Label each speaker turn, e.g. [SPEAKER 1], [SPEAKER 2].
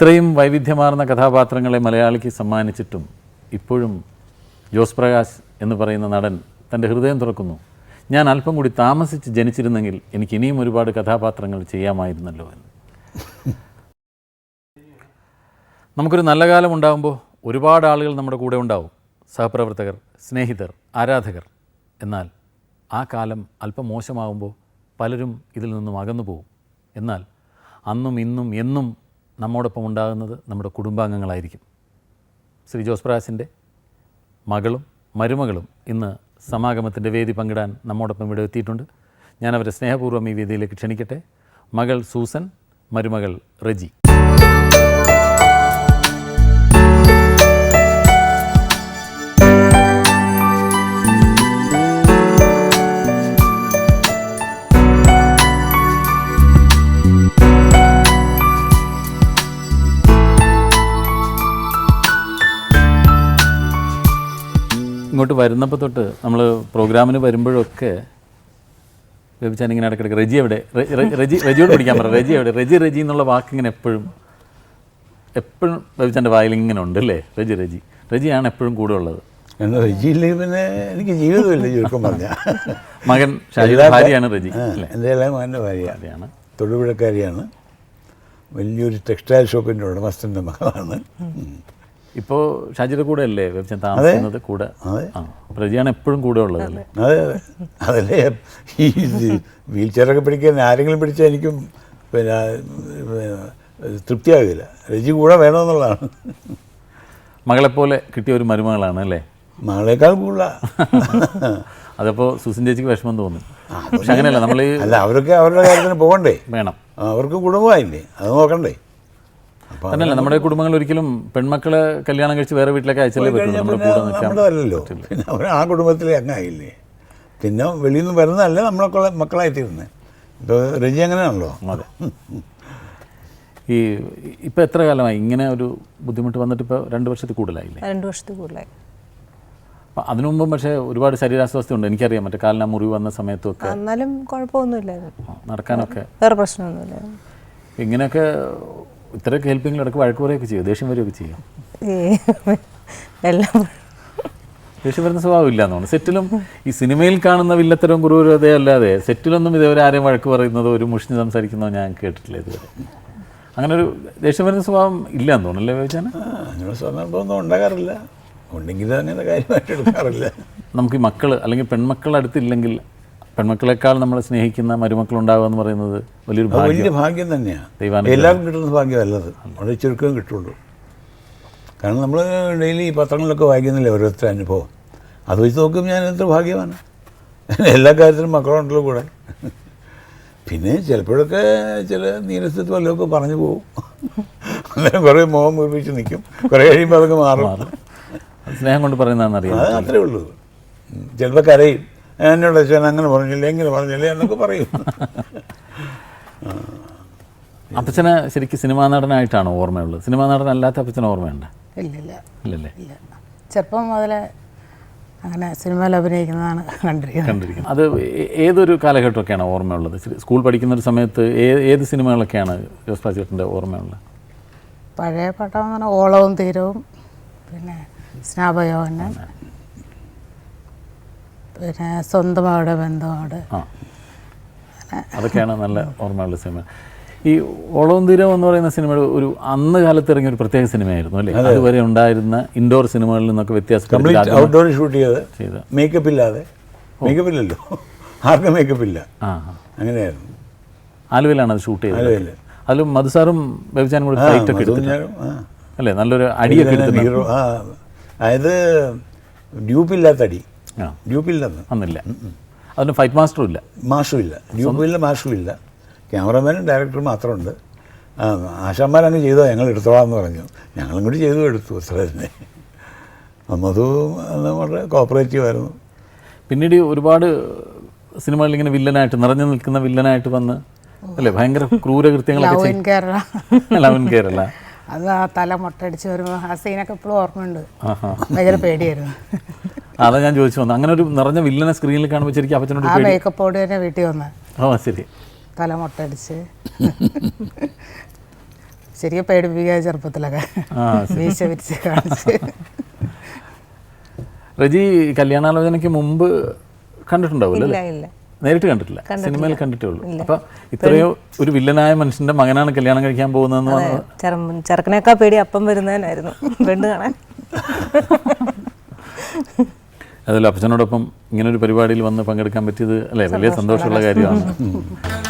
[SPEAKER 1] ഇത്രയും വൈവിധ്യമാർന്ന കഥാപാത്രങ്ങളെ മലയാളിക്ക് സമ്മാനിച്ചിട്ടും ഇപ്പോഴും ജോസ് പ്രകാശ് എന്ന് പറയുന്ന നടൻ തൻ്റെ ഹൃദയം തുറക്കുന്നു. ഞാൻ അല്പം കൂടി താമസിച്ച് ജനിച്ചിരുന്നെങ്കിൽ എനിക്ക് ഇനിയും ഒരുപാട് കഥാപാത്രങ്ങൾ ചെയ്യാമായിരുന്നല്ലോ എന്ന്. നമുക്കൊരു നല്ല കാലം ഉണ്ടാകുമ്പോൾ ഒരുപാട് ആളുകൾ നമ്മുടെ കൂടെ ഉണ്ടാവും, സഹപ്രവർത്തകർ, സ്നേഹിതർ, ആരാധകർ. എന്നാൽ ആ കാലം അല്പം മോശമാകുമ്പോൾ പലരും ഇതിൽ നിന്നും അകന്നു പോകും. എന്നാൽ അന്നും ഇന്നും എന്നും നമ്മോടൊപ്പം ഉണ്ടാകുന്നത് നമ്മുടെ കുടുംബാംഗങ്ങളായിരിക്കും. ശ്രീ ജോസ് പ്രകാശിൻ്റെ മകളും മരുമകളും ഇന്ന് സമാഗമത്തിൻ്റെ വേദി പങ്കിടാൻ നമ്മോടൊപ്പം ഇവിടെ എത്തിയിട്ടുണ്ട്. ഞാൻ അവരെ സ്നേഹപൂർവ്വം ഈ വേദിയിലേക്ക് ക്ഷണിക്കട്ടെ. മകൾ സൂസൻ, മരുമകൾ റെജി. ഇങ്ങോട്ട് വരുന്നപ്പോൾ തൊട്ട് നമ്മൾ പ്രോഗ്രാമിന് വരുമ്പോഴൊക്കെ ബേബിച്ചാൻ ഇങ്ങനെ ഇടയ്ക്കിടയ്ക്ക് റെജി എവിടെ, റെജിയോട് പിടിക്കാൻ പറയാം, റെജി എവിടെ, റെജി എന്നുള്ള വാക്കിങ്ങനെ എപ്പോഴും ബേബിച്ചാൻ്റെ വായിൽ ഇങ്ങനെ ഉണ്ട് അല്ലേ. റെജിയാണ് എപ്പോഴും കൂടെ ഉള്ളത്.
[SPEAKER 2] റെജിയില്ലെങ്കിൽ പിന്നെ എനിക്ക് ജീവിതമില്ല. ചുരുക്കം പറഞ്ഞാൽ
[SPEAKER 1] മകൻ ഷാജിയുടെ ഭാര്യയാണ് റെജി.
[SPEAKER 2] എൻ്റെ എല്ലാം മകൻ്റെ ഭാര്യയാണ്, തൊടുപുഴക്കാരിയാണ്, വലിയൊരു ടെക്സ്റ്റൈൽ ഷോപ്പിൻ്റെ ഉടമസ്ഥൻ്റെ മകളാണ്. ഇപ്പോൾ
[SPEAKER 1] ഷാജിയുടെ കൂടെ അല്ലേ ബേബിച്ചാൻ താമസിക്കുന്നത്? കൂടെ. റെജിയാണ് എപ്പോഴും കൂടെ ഉള്ളത് അല്ലേ?
[SPEAKER 2] അതെ അതല്ലേ ഈ വീൽ ചെയറൊക്കെ പിടിക്കാൻ ആരെങ്കിലും പിടിച്ചാൽ എനിക്കും പിന്നെ തൃപ്തിയാകില്ല. റെജി കൂടെ വേണമെന്നുള്ളതാണ്.
[SPEAKER 1] മകളെപ്പോലെ കിട്ടിയ ഒരു മരുമകളാണ് അല്ലേ?
[SPEAKER 2] മകളേക്കാൾ കൂടുതലാണ്.
[SPEAKER 1] അതപ്പോൾ സുസിൻ ചേച്ചിക്ക് വിഷമം തോന്നും. പക്ഷെ അങ്ങനെയല്ല, നമ്മൾ
[SPEAKER 2] അല്ല, അവരൊക്കെ അവരുടെ കാര്യത്തിന് പോകണ്ടേ,
[SPEAKER 1] വേണം,
[SPEAKER 2] അവർക്ക് കുടുംബമായില്ലേ, അത് നോക്കണ്ടേ.
[SPEAKER 1] തന്നെയല്ല, നമ്മുടെ കുടുംബങ്ങൾ ഒരിക്കലും പെൺമക്കളെ കല്യാണം കഴിച്ച് വേറെ വീട്ടിലേക്ക് അയച്ചല്ലേ പറ്റുള്ളൂ. നമ്മുടെ കൂടെ
[SPEAKER 2] നമ്മളല്ലോ, പിന്നെ അവർ ആ കുടുംബത്തിലെ അങ്ങായില്ലേ. പിന്നെ വെളിയിൽ നിന്ന് വരുന്നതല്ല നമ്മളൊക്കെ മക്കളായിത്തീരുന്നത്. ഇപ്പോൾ റെജി അങ്ങനെയാണല്ലോ.
[SPEAKER 1] അതെ. ഈ ഇപ്പോൾ എത്ര കാലമായി ഇങ്ങനെ ഒരു ബുദ്ധിമുട്ട് വന്നിട്ട്? ഇപ്പോൾ 2 വർഷത്തിൽ കൂടുതലായില്ലേ?
[SPEAKER 3] 2 വർഷത്തിൽ കൂടുതലായി.
[SPEAKER 1] അപ്പം അതിനു മുമ്പും പക്ഷേ ഒരുപാട് ശരീരാസ്വാസ്ഥ്യം ഉണ്ട്, എനിക്കറിയാം. മറ്റേ കാലിന് മുറിവ് വന്ന സമയത്തൊക്കെ
[SPEAKER 3] എന്നാലും കുഴപ്പമൊന്നുമില്ലായിരുന്നു,
[SPEAKER 1] നടക്കാനൊക്കെ
[SPEAKER 3] വേറെ പ്രശ്നമൊന്നുമില്ലായിരുന്നു.
[SPEAKER 1] ഇങ്ങനെയൊക്കെ ഇത്രയൊക്കെ ഹെൽപ്പിങ്ങിൽ ഇടയ്ക്ക് വഴക്ക് പറയുകയൊക്കെ ചെയ്യും, ദേഷ്യം വരികയൊക്കെ ചെയ്യും?
[SPEAKER 3] എല്ലാം
[SPEAKER 1] ദേഷ്യം വരുന്ന സ്വഭാവം ഇല്ലാന്ന് തോന്നുന്നു. സെറ്റിലും ഈ സിനിമയിൽ കാണുന്ന വില്ലത്തരവും ക്രൂരതയും അല്ലാതെ സെറ്റിലൊന്നും ഇതേവരെ ആരെയും വഴക്ക് പറയുന്നതോ ഒരു മുഷിഞ്ഞ് സംസാരിക്കുന്നതോ ഞാൻ കേട്ടിട്ടില്ല ഇതുവരെ. അങ്ങനെ ഒരു ദേഷ്യം വരുന്ന സ്വഭാവം ഇല്ലാന്ന് തോന്നുന്നല്ലേ ചോദിച്ചാൽ?
[SPEAKER 2] അങ്ങനെ സന്ദർഭമൊന്നും ഉണ്ടാകാറില്ല, ഉണ്ടെങ്കിൽ അങ്ങനെ കാര്യമായിട്ട് എടുക്കാറില്ല.
[SPEAKER 1] നമുക്ക് ഈ മക്കൾ അല്ലെങ്കിൽ പെൺമക്കൾ അടുത്തില്ലെങ്കിൽ പെൺമക്കളെക്കാൾ നമ്മളെ സ്നേഹിക്കുന്ന മരുമക്കളുണ്ടാവുക എന്ന് പറയുന്നത് വലിയ
[SPEAKER 2] ഭാഗ്യം തന്നെയാണ്. എല്ലാവർക്കും കിട്ടുന്ന ഭാഗ്യമല്ലത്, വളരെ ചുരുക്കം കിട്ടുള്ളൂ. കാരണം നമ്മൾ ഡെയിലി പത്രങ്ങളിലൊക്കെ വായിക്കുന്നില്ലേ ഓരോരുത്തർ അനുഭവം, അത് വെച്ച് നോക്കുമ്പോൾ ഞാൻ എത്ര ഭാഗ്യമാണ്. എല്ലാ കാര്യത്തിലും മക്കളുണ്ടല്ലോ കൂടെ. പിന്നെ ചിലപ്പോഴൊക്കെ ചില നീരസത്വം വല്ലതൊക്കെ പറഞ്ഞു പോകും, അന്നേരം കുറേ മോഹം മുറിപ്പിച്ച് നിൽക്കും, കുറേ കഴിയുമ്പോൾ അതൊക്കെ മാറും.
[SPEAKER 1] സ്നേഹം കൊണ്ട് പറയുന്നതാണെന്നറിയാം.
[SPEAKER 2] അത് അത്രേ ഉള്ളൂ. ചിലപ്പോൾ കരയും, എന്നോട് അച്ഛൻ അങ്ങനെ പറഞ്ഞില്ലേ എങ്ങനെ പറഞ്ഞില്ലേ എന്നൊക്കെ പറയും.
[SPEAKER 1] അപ്പച്ചനെ ശരിക്കും സിനിമാ നടനായിട്ടാണോ ഓർമ്മയുള്ളത്? സിനിമാ നടനല്ലാത്ത അപ്പച്ചനെ ഓർമ്മയുണ്ട്?
[SPEAKER 3] ഇല്ലല്ലേ. ചെറുപ്പം മുതലേ അങ്ങനെ സിനിമയിൽ അഭിനയിക്കുന്നതാണ് കണ്ടിരിക്കുന്നത്.
[SPEAKER 1] അത് ഏതൊരു കാലഘട്ടമൊക്കെയാണ് ഓർമ്മയുള്ളത്? സ്കൂൾ പഠിക്കുന്ന ഒരു സമയത്ത് ഏത് സിനിമകളൊക്കെയാണ് ജോസ് പ്രകാശിൻ്റെ ഓർമ്മയുള്ളത്?
[SPEAKER 3] പഴയ പടം എന്ന് പറഞ്ഞാൽ ഓളവും തീരവും, പിന്നെ സ്നാപയോഹനൻ, പിന്നെ സ്വന്തമാവിടെ ബന്ധമാവിടെ,
[SPEAKER 1] അതൊക്കെയാണ് നല്ല ഓർമ്മയുള്ള സിനിമ. ഈ ഓളവും തീരവും എന്ന് പറയുന്ന സിനിമയുടെ ഒരു അന്ന് കാലത്ത് ഇറങ്ങിയ ഒരു പ്രത്യേക സിനിമയായിരുന്നു അല്ലേ? അതുവരെ ഉണ്ടായിരുന്ന ഇൻഡോർ സിനിമകളിൽ നിന്നൊക്കെ വ്യത്യാസം.
[SPEAKER 2] ഔട്ട്ഡോർ ഷൂട്ട് ചെയ്ത് മേക്കപ്പ് ഇല്ലാതെ, മേക്കപ്പ് ഇല്ലല്ലോ, ആർക്കും മേക്കപ്പ് ഇല്ല, അങ്ങനെയായിരുന്നു.
[SPEAKER 1] ആലുവയിലാണ് അത് ഷൂട്ട് ചെയ്തത്. അതിലും മധുസാറും ബേബിച്ചാനും കൂടി ഫൈറ്റ് ഒക്കെ എടുത്തു അല്ലേ? നല്ലൊരു അടിയൊക്കെ എടുത്തു.
[SPEAKER 2] അതായത് ഡ്യൂപ്പില്ലാത്ത അടി, ഡ്യൂപ്പില്ലെന്ന്
[SPEAKER 1] അന്നില്ല. അതിന് ഫൈറ്റ് മാസ്റ്ററും ഇല്ല,
[SPEAKER 2] ഡ്യൂപ്പില്ല, മാസ്റ്ററും ഇല്ല. ക്യാമറമാനും ഡയറക്ടറും മാത്രമുണ്ട്. ആശാന്മാരങ്ങ് ചെയ്തോ, ഞങ്ങൾ എടുത്തോളാമെന്ന് പറഞ്ഞു. ഞങ്ങളും കൂടി എടുത്തു അത്ര തന്നെ. മധു വളരെ കോപ്പറേറ്റീവ് ആയിരുന്നു.
[SPEAKER 1] പിന്നീട് ഒരുപാട് സിനിമകളിൽ ഇങ്ങനെ വില്ലനായിട്ട് നിറഞ്ഞു നിൽക്കുന്ന വില്ലനായിട്ട് വന്ന് അല്ലേ, ഭയങ്കര ക്രൂരകൃത്യങ്ങളൊക്കെ. ലവൻ കേരള
[SPEAKER 3] അത് ആ തല മുട്ടടിച്ച് വരുമ്പോൾ ആ സീനൊക്കെ എപ്പോഴും ഓർമ്മയുണ്ട്, ഭയങ്കര പേടിയായിരുന്നു.
[SPEAKER 1] അതാ ഞാൻ ചോദിച്ചു വന്നു, അങ്ങനെ ഒരു നിറഞ്ഞ വില്ലനെ സ്ക്രീനിൽ കാണുമ്പോൾ ശരിക്കും അപ്പച്ചനോട്
[SPEAKER 3] ആ മേക്കപ്പോട് തന്നെ വീട്ടിൽ വന്ന്
[SPEAKER 1] ശരി
[SPEAKER 3] തല മുട്ടടിച്ച് ശരിക്കും പേടിപ്പിക്കുക ചെറുപ്പത്തിലൊക്കെ
[SPEAKER 1] ആ
[SPEAKER 3] വീശ വിരിച്ച് കാണിച്ച്.
[SPEAKER 1] റജി കല്യാണാലോചനയ്ക്ക് മുമ്പ് കണ്ടിട്ടുണ്ടാവില്ല
[SPEAKER 4] ഇല്ല
[SPEAKER 1] അല്ലേ?
[SPEAKER 4] ഇല്ല
[SPEAKER 1] നേരിട്ട് കണ്ടിട്ടില്ല, സിനിമയിൽ കണ്ടിട്ടേ ഉള്ളൂ. അപ്പൊ ഇത്രയോ ഒരു വില്ലനായ മനുഷ്യന്റെ മകനാണ് കല്യാണം കഴിക്കാൻ പോകുന്നതെന്ന് പറഞ്ഞത്
[SPEAKER 4] ചെറുക്കനേക്കാൾ പേടി അപ്പം വരുന്നതിനായിരുന്നു പെണ്ണ് കാണാൻ.
[SPEAKER 1] അതിൽ അപ്പച്ചനോടൊപ്പം ഇങ്ങനൊരു പരിപാടിയിൽ വന്ന് പങ്കെടുക്കാൻ പറ്റിയത് അല്ലേ വലിയ സന്തോഷമുള്ള കാര്യമാണ്.